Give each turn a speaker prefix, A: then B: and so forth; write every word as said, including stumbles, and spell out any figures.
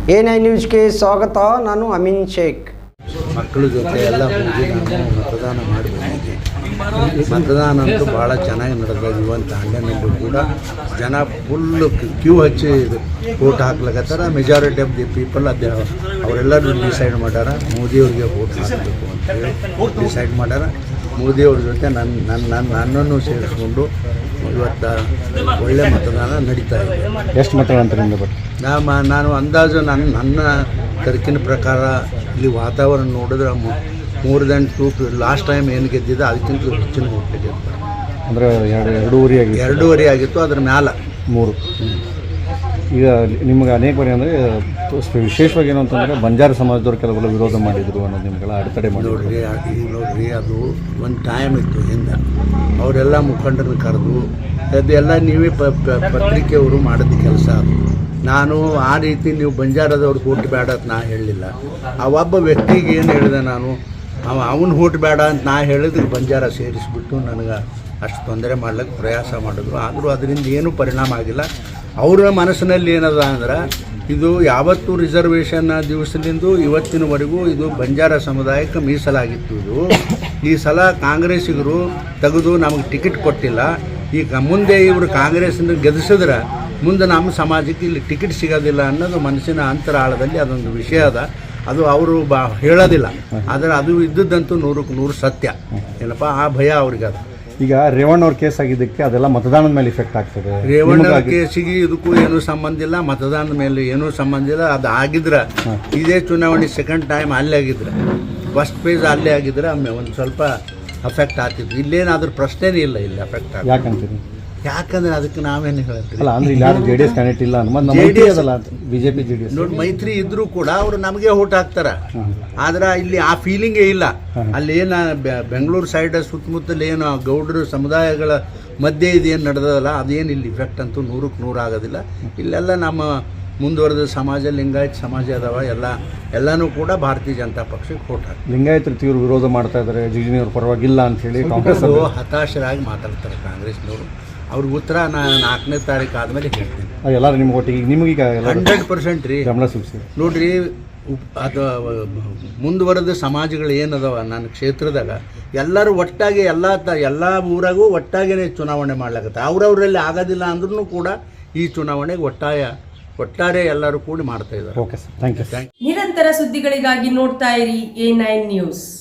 A: A nine ನ್ಯೂಸ್ಗೆ ಸ್ವಾಗತ. ನಾನು ಅಮೀನ್ ಶೇಖ್.
B: ಮಕ್ಕಳ ಜೊತೆ ಎಲ್ಲ ಹೋಗಿ ನಾನು ಮತದಾನ ಮಾಡಿ ಬಂದಿದ್ದೆ. ಮತದಾನ ಅಂತೂ ಭಾಳ ಚೆನ್ನಾಗಿ ನಡೆದ. ಇವನ್ ತಾಂಡನಲ್ಲೂ ಕೂಡ ಜನ ಫುಲ್ಲು ಕ್ಯೂ ಹಚ್ಚಿ ವೋಟ್ ಹಾಕ್ಲಿಕ್ಕತ್ತಾರ. ಮೆಜಾರಿಟಿ ಆಫ್ ದಿ ಪೀಪಲ್ ಅದೇ ಅವರೆಲ್ಲರೂ ಡಿಸೈಡ್ ಮಾಡ್ಯಾರ ಮೋದಿಯವ್ರಿಗೆ ವೋಟ್ ಹಾಕಬೇಕು ಅಂತೇಳಿ ಡಿಸೈಡ್ ಮಾಡ್ಯಾರ. ಮೋದಿಯವ್ರ ಜೊತೆ ನನ್ನ ನನ್ನ ನನ್ನ ನನ್ನನ್ನು ಸೇರಿಸ್ಕೊಂಡು ಇವತ್ತು ಒಳ್ಳೆ ಮತದಾನ ನಡೀತಾ ಇದೆ.
C: ಎಷ್ಟು ಮತದಾನ ಬಟ್
B: ನಾ ನಾನು ಅಂದಾಜು ನನ್ನ ನನ್ನ ತರ್ಕಿನ ಪ್ರಕಾರ ಇಲ್ಲಿ ವಾತಾವರಣ ನೋಡಿದ್ರೆ ಮೂರು ದೆನ್ ಟೂ ಲಾಸ್ಟ್ ಟೈಮ್ ಏನು ಗೆದ್ದಿದೆ ಅದಕ್ಕಿಂತ ಹೆಚ್ಚಿನ ಓಟ್ ಗೆದ್ದ.
C: ಅಂದರೆ ಎರಡು ಎರಡೂವರೆ ಆಗಿ
B: ಎರಡೂವರೆ ಆಗಿತ್ತು. ಅದ್ರ ಮ್ಯಾಲೆ ಮೂರು.
C: ಈಗ ನಿಮ್ಗೆ ಅನೇಕ ಬಾರಿ ಅಂದರೆ ವಿಶೇಷವಾಗಿ ಏನು ಅಂತಂದರೆ ಬಂಜಾರ ಸಮಾಜದವ್ರು ಕೆಲವೆಲ್ಲ ವಿರೋಧ ಮಾಡಿದರು ಅನ್ನೋದು ನಿಮ್ಗೆಲ್ಲ ಅಡೆತಡೆ ಮಾಡಿ
B: ನೋಡ್ರಿ. ಈಗ ನೋಡ್ರಿ, ಅದು ಒಂದು ಟೈಮ್ ಇತ್ತು ಹಿಂದೆ. ಅವರೆಲ್ಲ ಮುಖಂಡರನ್ನ ಕರೆದು ಅದೆಲ್ಲ ನೀವೇ ಪ ಪತ್ರಿಕೆಯವರು ಮಾಡಿದ ಕೆಲಸ ಅದು. ನಾನು ಆ ರೀತಿ ನೀವು ಬಂಜಾರದವ್ರಿಗೆ ಓಟ್ ಬೇಡ ಅಂತ ನಾ ಹೇಳಲಿಲ್ಲ. ಆ ಒಬ್ಬ ವ್ಯಕ್ತಿಗೆ ಏನು ಹೇಳಿದೆ ನಾನು, ಅವ ಅವನು ಓಟ್ ಬೇಡ ಅಂತ ನಾ ಹೇಳಿದ್ರೆ ಬಂಜಾರ ಸೇರಿಸ್ಬಿಟ್ಟು ನನಗೆ ಅಷ್ಟು ತೊಂದರೆ ಮಾಡ್ಲಿಕ್ಕೆ ಪ್ರಯಾಸ ಮಾಡಿದ್ರು. ಆದರೂ ಅದರಿಂದ ಏನೂ ಪರಿಣಾಮ ಆಗಿಲ್ಲ. ಅವರ ಮನಸ್ಸಿನಲ್ಲಿ ಏನದ ಅಂದ್ರೆ ಇದು ಯಾವತ್ತೂ ರಿಸರ್ವೇಷನ್ ದಿವಸದಿಂದ ಇವತ್ತಿನವರೆಗೂ ಇದು ಬಂಜಾರ ಸಮುದಾಯಕ್ಕೆ ಮೀಸಲಾಗಿತ್ತು. ಇದು ಈ ಸಲ ಕಾಂಗ್ರೆಸ್ಸಿಗರು ತೆಗೆದು ನಮಗೆ ಟಿಕೆಟ್ ಕೊಟ್ಟಿಲ್ಲ. ಈಗ ಮುಂದೆ ಇವರು ಕಾಂಗ್ರೆಸ್ನ ಗೆಲ್ಲಿಸಿದ್ರೆ ಮುಂದೆ ನಮ್ಮ ಸಮಾಜಕ್ಕೆ ಇಲ್ಲಿ ಟಿಕೆಟ್ ಸಿಗೋದಿಲ್ಲ ಅನ್ನೋದು ಮನಸ್ಸಿನ ಅಂತರಾಳದಲ್ಲಿ ಅದೊಂದು ವಿಷಯ ಅದ. ಅದು ಅವರು ಬಾ ಹೇಳೋದಿಲ್ಲ, ಆದರೆ ಅದು ಇದ್ದದ್ದಂತೂ ನೂರಕ್ಕೆ ನೂರು ಸತ್ಯ. ಏನಪ್ಪ ಆ ಭಯ ಅವ್ರಿಗೆ ಅದ.
C: ಈಗ ರೇವಣ್ಣ ಅವ್ರ ಕೇಸ್ ಆಗಿದ್ದಕ್ಕೆ ಅದೆಲ್ಲ ಮತದಾನದ ಮೇಲೆ ಇಫೆಕ್ಟ್ ಆಗ್ತದೆ.
B: ರೇವಣ್ಣ ಕೇಸಿಗೆ ಇದಕ್ಕೂ ಏನೂ ಸಂಬಂಧ ಇಲ್ಲ, ಮತದಾನದ ಮೇಲೆ ಏನೂ ಸಂಬಂಧ ಇಲ್ಲ. ಅದು ಆಗಿದ್ರೆ ಇದೇ ಚುನಾವಣೆ ಸೆಕೆಂಡ್ ಟೈಮ್ ಅಲ್ಲೇ ಆಗಿದ್ರೆ, ಫಸ್ಟ್ ಪೇಜ್ ಅಲ್ಲೇ ಆಗಿದ್ರೆ ಒಮ್ಮೆ ಒಂದು ಸ್ವಲ್ಪ ಅಫೆಕ್ಟ್ ಆಗ್ತಿತ್ತು. ಇಲ್ಲೇನಾದ್ರೂ ಪ್ರಶ್ನೆನೇ ಇಲ್ಲ ಇಲ್ಲಿ ಅಫೆಕ್ಟ್ ಆಗ.
C: ಯಾಕಂತೀರಿ?
B: ಯಾಕಂದ್ರೆ ಅದಕ್ಕೆ ನಾವೇನು ಹೇಳ್ತೀವಿ,
C: ಅಲ್ಲ ಅಂದ್ರೆ ಇಲ್ಲಿ ಯಾರು ಜೆ ಡಿ ಎಸ್ ಕ್ಯಾಂಡಿಡೇಟ್ ಇಲ್ಲ
B: ಜೆ
C: ಅದಲ್ಲ ಬಿಜೆಪಿ ಜೆ ಡಿ ಎಸ್
B: ನೋಡಿ ಮೈತ್ರಿ ಇದ್ರೂ ಕೂಡ ಅವರು ನಮಗೆ ಓಟ್ ಹಾಕ್ತಾರ. ಆದ್ರೆ ಇಲ್ಲಿ ಆ ಫೀಲಿಂಗೇ ಇಲ್ಲ. ಅಲ್ಲಿ ಏನು ಬೆಂಗಳೂರು ಸೈಡ್ ಸುತ್ತಮುತ್ತಲು ಏನು ಗೌಡರು ಸಮುದಾಯಗಳ ಮಧ್ಯೆ ಇದೇನು ನಡೆದಲ್ಲ ಅದೇನು ಇಲ್ಲಿ ಇಫೆಕ್ಟ್ ಅಂತೂ ನೂರಕ್ಕೆ ನೂರು ಆಗೋದಿಲ್ಲ. ಇಲ್ಲೆಲ್ಲ ನಮ್ಮ ಮುಂದುವರೆದ ಸಮಾಜ ಲಿಂಗಾಯತ್ ಸಮಾಜ ಅದಾವ. ಎಲ್ಲ ಎಲ್ಲನೂ ಕೂಡ ಭಾರತೀಯ ಜನತಾ ಪಕ್ಷಕ್ಕೆ ಓಟ್ ಹಾಕ್ತಾರೆ.
C: ಲಿಂಗಾಯತ್ ತೀವ್ರ ವಿರೋಧ ಮಾಡ್ತಾ ಇದ್ದಾರೆ, ಜಿಗಿನಿಯವ್ರ ಪರವಾಗಿಲ್ಲ ಅಂತ ಹೇಳಿ ಕಾಂಗ್ರೆಸ್
B: ಹತಾಶರಾಗಿ ಮಾತಾಡ್ತಾರೆ ಕಾಂಗ್ರೆಸ್ನವರು. ಅವ್ರಿಗೆ ಉತ್ತರ ನಾನು ನಾಲ್ಕನೇ ತಾರೀಕು ಆದಮೇಲೆ ಹೇಳ್ತೀನಿ.
C: ಎಲ್ಲರೂ ನಿಮ್ಗೆ ಒಟ್ಟಿಗೆ ನಿಮಗೀಗ
B: ಹಂಡ್ರೆಡ್ ಪರ್ಸೆಂಟ್ ರೀ
C: ಗಮನ ಸೂಚಿಸಿ
B: ನೋಡ್ರಿ. ಅದು ಮುಂದುವರೆದ ಸಮಾಜಗಳು ಏನದವ ನನ್ನ ಕ್ಷೇತ್ರದಾಗ ಎಲ್ಲರೂ ಒಟ್ಟಾಗಿ ಎಲ್ಲ ತ ಎಲ್ಲ ಊರಾಗೂ ಒಟ್ಟಾಗೇ ಚುನಾವಣೆ ಮಾಡ್ಲಾಗತ್ತೆ. ಅವ್ರವರಲ್ಲಿ ಆಗೋದಿಲ್ಲ ಅಂದ್ರೂ ಕೂಡ ಈ ಚುನಾವಣೆಗೆ ಒಟ್ಟಾಯ ಒಟ್ಟಾರೆ ಎಲ್ಲರೂ ಕೂಡಿ ಮಾಡ್ತಾ ಇದ್ದಾರೆ.
C: Okay sir, thank you.
D: ನಿರಂತರ ಸುದ್ದಿಗಳಿಗಾಗಿ ನೋಡ್ತಾ ಇರಿ ಎ ನೈನ್ ನ್ಯೂಸ್.